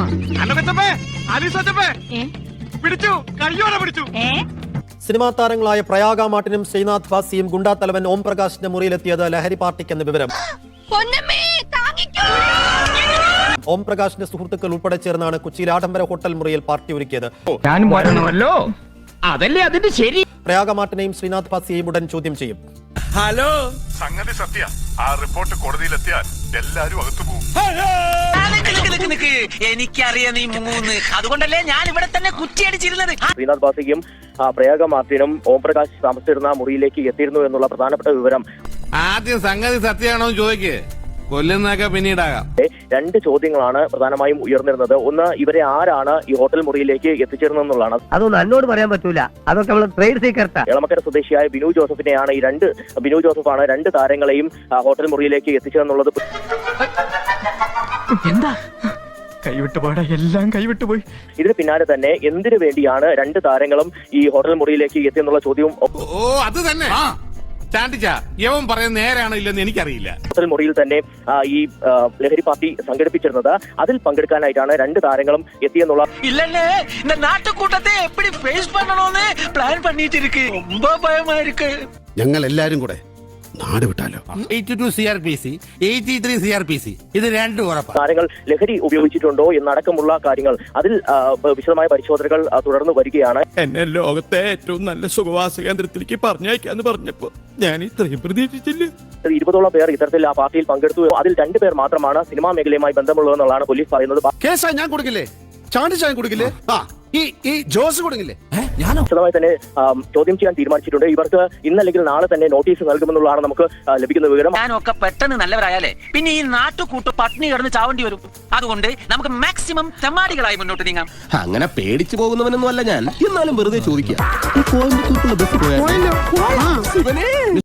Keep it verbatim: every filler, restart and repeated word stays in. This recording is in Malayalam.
സിനിമാ താരങ്ങളായ പ്രയാഗ മാർട്ടിനും ശ്രീനാഥ് ഭാസിയും ഗുണ്ടാ തലവൻ ഓം പ്രകാശിന്റെ മുറിയിലെത്തിയത് ലഹരി പാർട്ടിക്കെന്ന് വിവരം. ഓം പ്രകാശിന്റെ സുഹൃത്തുക്കൾ ഉൾപ്പെടെ ചേർന്നാണ് കൊച്ചിയിൽ ആഡംബര ഹോട്ടൽ മുറിയിൽ പാർട്ടി ഒരുക്കിയത്. അതല്ലേ അതിന്റെ ശരി. പ്രയാഗ മാർട്ടിനെയും ശ്രീനാഥ് ഭാസിയെയും ഉടൻ ചോദ്യം ചെയ്യും. ഹലോ, സംഗതി സത്യ. ആ റിപ്പോർട്ട് കോടതിയിലെത്തിയാൽ എല്ലാരും അകത്തു പോകും. എനിക്കറിയാം നീ മൂന്ന്, അതുകൊണ്ടല്ലേ ഞാൻ ഇവിടെ തന്നെ കുറ്റിയടിച്ചിരുന്നത്. ശ്രീനാഥ് ഭാസിയും പ്രയാഗ മാർട്ടിനും ഓം പ്രകാശ് താമസിച്ചിരുന്ന മുറിയിലേക്ക് എത്തിയിരുന്നു എന്നുള്ള പ്രധാനപ്പെട്ട വിവരം. ആദ്യം സംഗതി സത്യമാണോ ചോദിക്കേ, കൊല്ലുന്നൊക്കെ പിന്നീടാകാം. രണ്ട് ചോദ്യങ്ങളാണ് പ്രധാനമായും ഉയർന്നിരുന്നത്. ഒന്ന്, ഇവരെ ആരാണ് ഈ ഹോട്ടൽ മുറിയിലേക്ക് എത്തിച്ചേർന്നതെന്നുള്ളതാണ്. അതൊന്നും എന്നോട് പറയാൻ പറ്റൂല, അതൊക്കെ നമ്മൾ ട്രേഡ് സീക്രട്ടാ. എളമക്കര സ്വദേശിയായ ബിനു ജോസഫിനെയാണ് ഈ രണ്ട് ബിനു ജോസഫാണ് രണ്ട് താരങ്ങളെയും ഹോട്ടൽ മുറിയിലേക്ക് എത്തിച്ചതെന്നുള്ളത്. എന്താ കൈവിട്ടുപോടാ, എല്ലാം കൈവിട്ടുപോയി. ഇതിന് പിന്നാലെ തന്നെ എന്തിനു വേണ്ടിയാണ് രണ്ട് താരങ്ങളും ഈ ഹോട്ടൽ മുറിയിലേക്ക് എത്തിയെന്നുള്ള ചോദ്യവും. ഓ അത് തന്നെ യവൻ പറയുന്നത് നേരാണോ ഇല്ലെന്ന് എനിക്കറിയില്ല. ഹോട്ടൽ മുറിയിൽ തന്നെ ഈ ലഹരി പാർട്ടി സംഘടിപ്പിച്ചിരുന്നത്, അതിൽ പങ്കെടുക്കാനായിട്ടാണ് രണ്ട് താരങ്ങളും എത്തിയെന്നുള്ള. ഇല്ലല്ലേ, இந்த നാട്ടുകൂട്ടത്തെ எப்படி ഫേസ് பண்ணணும்னு പ്ലാൻ பண்ணிட்டு ரொம்ப பயமா இருக்கு. ഞങ്ങൾ എല്ലാരും കൂടെ നാട് വിട്ടാലോ. ഇത് രണ്ടും ഉറപ്പാണ്. താരങ്ങൾ ലഹരി ഉപയോഗിച്ചിട്ടുണ്ടോ എന്നടക്കമുള്ള കാര്യങ്ങൾ അതിൽ വിശദമായ പരിശോധനകൾ തുടർന്ന് വരികയാണ്. എന്നെ ലോകത്തെ ഏറ്റവും നല്ല സുഖവാസ കേന്ദ്രത്തിലേക്ക് പറഞ്ഞയക്കാന്ന് പറഞ്ഞപ്പോ ഞാൻ ഇത്രയും പ്രതീക്ഷിച്ചില്ല. ഇരുപതോളം പേർ ഇത്തരത്തിൽ ആ പാർട്ടിയിൽ പങ്കെടുത്തു. അതിൽ രണ്ടുപേർ മാത്രമാണ് സിനിമാ മേഖലയുമായി ബന്ധമുള്ളതെന്നുള്ളതാണ് പോലീസ് പറയുന്നത്. കേസാ ഞാൻ കൊടുക്കില്ലേ, ചാണ്ടി ചാൻ കൊടുക്കില്ലേ, ഈ ഈ ജോസ് കൊടുക്കില്ലേ. വിശദമായി തന്നെ ചോദ്യം ചെയ്യാൻ തീരുമാനിച്ചിട്ടുണ്ട്. ഇവർക്ക് ഇന്നല്ലെങ്കിൽ നാളെ തന്നെ നോട്ടീസ് നൽകുമെന്നുള്ളതാണ് നമുക്ക് ലഭിക്കുന്ന വിവരം. ഞാനൊക്കെ പെട്ടെന്ന് നല്ലവരായാലേ പിന്നെ ഈ നാട്ടുകൂട്ട് പട്ടിണി കിടന്ന് ചാവേണ്ടി വരും. അതുകൊണ്ട് നമുക്ക് മാക്സിമം തെമ്മാടികളായി മുന്നോട്ട് നീങ്ങാം. അങ്ങനെ പേടിച്ചു പോകുന്നവനൊന്നും അല്ല ഞാൻ, എന്നാലും വെറുതെ ചോദിക്കാം.